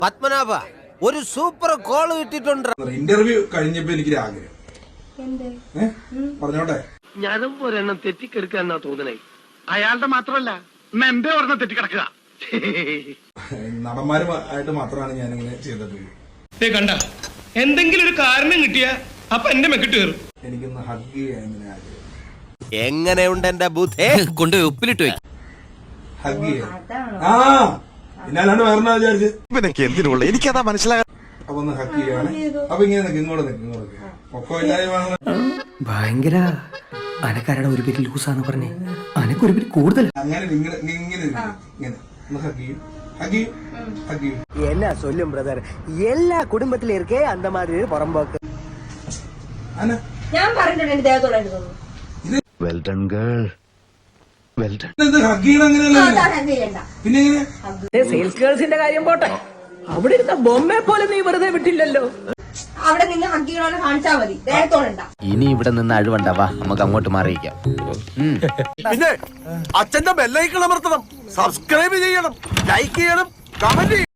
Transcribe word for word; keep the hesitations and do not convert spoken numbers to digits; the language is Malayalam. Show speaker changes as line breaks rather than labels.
പത്മനാഭ ഒരു സൂപ്പർ കോൾ കിട്ടിയിട്ടുണ്ട്.
ഇന്റർവ്യൂ കഴിഞ്ഞപ്പോ എനിക്ക് ആഗ്രഹം പറഞ്ഞോട്ടെ.
ഞാനും ഒരെണ്ണം തെറ്റിക്കെടുക്കാന്നാ തോന്നണേ. അയാളുടെ മാത്രമല്ല മെമ്പെ ഒരെണ്ണം തെറ്റിക്കിടക്കുക.
നടന്മാരുമായിട്ട് മാത്രമാണ് ഞാനിങ്ങനെ ചെയ്തിട്ടുള്ളത്.
കണ്ട എന്തെങ്കിലും ഒരു കാരണം കിട്ടിയ അപ്പൊ എന്റെ മെക്കിട്ട് കയറും.
എനിക്കൊന്ന് ഹഗ് ചെയ്യാൻ ഇങ്ങനെ ആഗ്രഹം.
എങ്ങനെയുണ്ട് എന്റെ ബുദ്ധേ? കൊണ്ട് ഉപ്പിലിട്ട് വെക്കും.
ഹഗ് ചെയ്യാൻ ആ പിന്നാലാണ്ട് വേറെ വിചാരിച്ച്
എന്തിനുള്ള എനിക്കതാ മനസ്സിലാകാൻ.
അപ്പൊ ഒന്ന് ഹഗ് ചെയ്യാണ്. അപ്പൊ ഇങ്ങനെ നിൽക്കും, ഇങ്ങോട്ട് നിൽക്കും, ഇങ്ങോട്ട് നിൽക്കും. ഒപ്പം ഇല്ലായ്മ
ഭയങ്കര അനക്കാരുടെ ഒരു പേര് ലൂസാന്ന് പറഞ്ഞേ, അനക്ക് ഒരു പേര് കൂടുതൽ.
അങ്ങനെ ഇങ്ങനെ ഇങ്ങനെ ഇങ്ങനെ ഒന്ന് ഹഗ് ചെയ്യും, ഹഗ് ചെയ്യും, ഹഗ് ചെയ്യും.
എന്നാ சொல்லும் பிரதர், എല്ലാ കുടുംബത്തിലും இருக்கே அந்த மாதிரி പുറമ്പോക്ക്.
അന
ഞാൻ പറഞ്ഞിട്ടുണ്ട് എന്റെ ദേഹത്തോടായിട്ട് തോന്നുന്നു.
Well done girl, well done.
ഇത് ഹഗ് ചെയ്യണം അങ്ങനെയല്ല, പിന്നെ എങ്ങനെ?
സെയിൽസ് ഗേൾസിന്റെ കാര്യം പോട്ടെ, അവിടെ ഇരുന്ന ബൊമ്മയെ പോലെ നീ വെറുതെ വിട്ടില്ലല്ലോ.
അവിടെ നിന്ന് ഹഗ്ഗികളെ കാണിച്ചാൽ മതി, ദേഹത്തോടുണ്ട.
ഇനി ഇവിടെ നിന്ന് അഴിവണ്ടാവാ, നമുക്ക് അങ്ങോട്ട് മാറിയിക്കാം.
പിന്നെ അച്ഛന്റെ ബെല്ലൈക്കൺ അമർത്തണം, സബ്സ്ക്രൈബ് ചെയ്യണം, ലൈക്ക് ചെയ്യണം, കമന്റ്